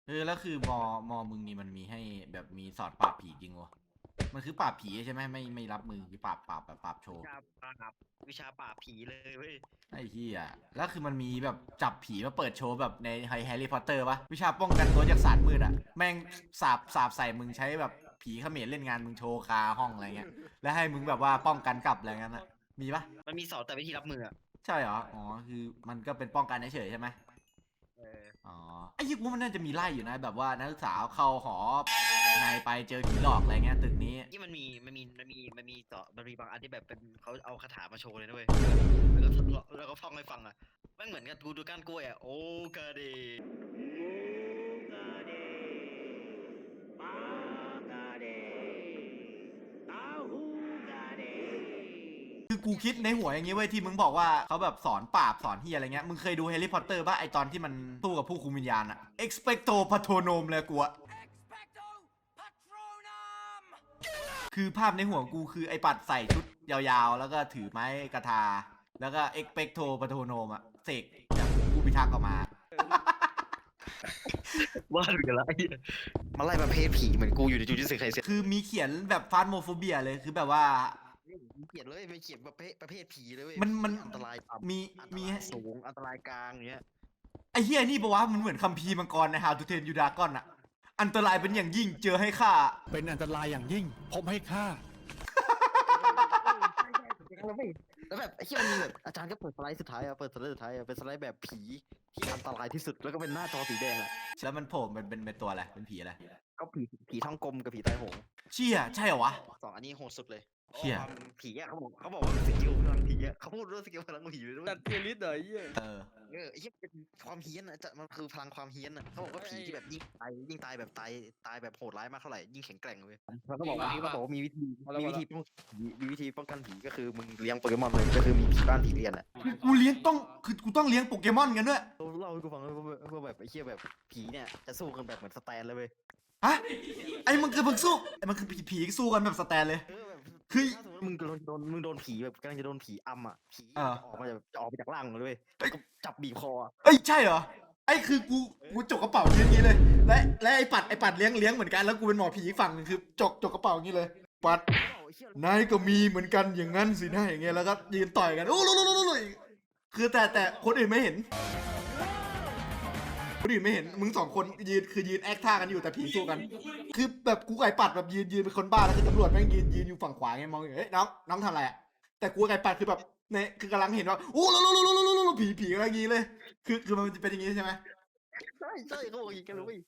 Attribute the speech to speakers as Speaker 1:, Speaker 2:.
Speaker 1: แล้วคือมอมึงนี่มันมีให้แบบมีสอนปราบผีจริงวะมันคือปราบผีใช่ไหมไม่รับมือคือปราบแบบปราบโชว์
Speaker 2: วิชาปราบผีเลยเว้ย
Speaker 1: ไอ้เหี้ยแล้วคือมันมีแบบจับผีมาเปิดโชว์แบบในแฮร์รี่พอตเตอร์ปะวิชาป้องกันตัวจากศาสตร์มืดอะแม่งสาบใส่มึงใช้แบบผีเขมรเล่นงานมึงโชว์คาห้องอะไรเงี้ยแล้วให้มึงแบบว่าป้องกันกลับอะไรเงี้ยนะมีปะ
Speaker 2: มันมีสอนแต่วิธีรับมืออะ
Speaker 1: ใช่เหรออ๋อคือมันก็เป็นป้องกันเฉยๆใช่ไหม
Speaker 2: เออ
Speaker 1: อ๋อไอ้ยี่กูมันน่าจะมีไล่อยู่นะแบบว่านักศึกษาเข้าหอนายไปเจอผีหลอกอะไรเงี้ยตึกนี้
Speaker 2: ที่มันมีสอนมันมีบางอันที่แบบเป็นเขาเอาคาถามาโชว์เลยนะเว้ยแล้วก็ท่องให้ฟังอะแม่งเหมือนกับกูดูก้านกล้วยอะโอกาเดโอกาเดปากาเดตาฮูกาเด
Speaker 1: คือกูคิดในหัวอย่างงี้เว้ยที่มึงบอกว่าเขาแบบสอนปราบสอนเฮียอะไรเงี้ยมึงเคยดูแฮร์รี่พอตเตอร์ป่ะไอตอนที่มันสู้กับผู้คุมวิญญาณอะ expecto patronum เลยกูอะคือภาพในหัวกูคือไอปัดใส่ชุดยาวๆแล้วก็ถือไม้กระทาแล้วก็ expecto patronum อะเสกจากผู้พิทักษ์ออกมา
Speaker 2: ว่าดูกันละไอ้เหี้ยมาไล่ประเภทผีเหมือนกูอยู่ในจูจูสึไคเซ็น
Speaker 1: คือมีเขียนแบบฟาสโมโฟเบียเลยคือแบบว่า
Speaker 2: เขียนเลยไม่เขียนประเภทผีเลยเว้ย
Speaker 1: มัน
Speaker 2: อันตรายต่
Speaker 1: มี
Speaker 2: ำอันต
Speaker 1: มี
Speaker 2: รายสูงอันตรายกลางอย่างเงี้ย
Speaker 1: ไอ้เฮียนี่ปะวะมันเหมือนคัมภีร์มังกรใน How to Train Your Dragon อะอันตรายเป็นอย่างยิ่งเจอให้ฆ่า
Speaker 3: เป็นอันตรายอย่างยิ่ง พบให้ค่า
Speaker 2: แล้วแบบไอ้ที่มันมีแบบอาจารย์ก็เปิดสไลด์สุดท้ายอะเปิดสไลด์สุดท้ายอะเป็นสไลด์แบบผีที่อันตรายที่สุดแล้วก็เป็นหน้าจอสีแดงอะ
Speaker 1: แล้วมันโผล่เป็นตัวอะไรเป็นผีอะไร
Speaker 2: ก็ผีท้องกลมกับผีตายโหง
Speaker 1: เชี่ยใช่เหรอวะ
Speaker 2: สองอันนี้โหดสุดเลย
Speaker 1: เชี่ย
Speaker 2: ความผีอะเขาบอกว่าสกิลพลังผีอะเขาพูดเรื่องสกิลพลังผีเลยด้วย
Speaker 4: ตัดเทียริสเหรอไอ้เหี้ย
Speaker 2: ไอ้ที่เป็นความเฮี้ยนอะมันคือพลังความเฮี้ยนอะเขาบอกว่าผีที่แบบยิ่งตายแบบตายแบบโหดร้ายมากเท่าไหร่ยิ่งแข็งแกร่งเลยเขาก็บอกว่ามีวิธีป้องกันผีก็คือมึงเลี้ยงโปเกมอนเลยก็คือมีผีบ้านผีเรียนอะ
Speaker 1: คือกูต้องเลี้ยงโปเกมอนกันด้วย
Speaker 2: เล่าให้กูฟังเลยว่าแบบไอ้เชี่ยแบบผีเนี่ยจะสู้กันแบบเหมือนสแตนเลยเว้ย
Speaker 1: ฮะไอ้มันคือมึงสู้ไอ้มันคือผีสู้กันแบบสแตนเลย
Speaker 2: แบบ
Speaker 1: คือ
Speaker 2: ถ้าสมมติมึงโดนผีแบบกำลังจะโดนผีอำอ่ะผี
Speaker 1: อ่า
Speaker 2: จะออกมาจากร่างมึงเลยเว้ยแล้วก็จับบีบคออะ
Speaker 1: เอ้ยใช่เหรอไอ้คือกูจกกระเป๋ายืนอย่างนี้เลย และไอ้ปัดเลี้ยงเหมือนกันแล้วกูเป็นหมอผีอีกฝั่งหนึงคือจกกระเป๋าอย่างนี้เลยปัด
Speaker 2: ไอ้เหี้ย
Speaker 1: นายก็มีเหมือนกันอย่างนั้นสินะอย่างเงี้ยแล้วก็ยืนต่อยกันโอ้โหคือแต่คนอื่นไม่เห็นคนอื่นไม่เห็นมึงสองคนยืนแอคท่ากันอยู่แต่ผีสู้กัน คือแบบกูไก่ปัดแบบยืนเป็นคนบ้าแล้วคือตำรวจแม่งยืนอยู่ฝั่งขวาไงมองอยู่เฮ้ยน้องทำอะไรอ่ะแต่กูไก่ปัดคือแบบเนี่ยคือกำลังเห็นว่าโอ้โหผีอะไรอย่างงี้เลยคือมันจะเป็นอย่างงี้ใช่ไหม
Speaker 2: ใช่เขาบอกอย่างนี้กันเลยเว้ย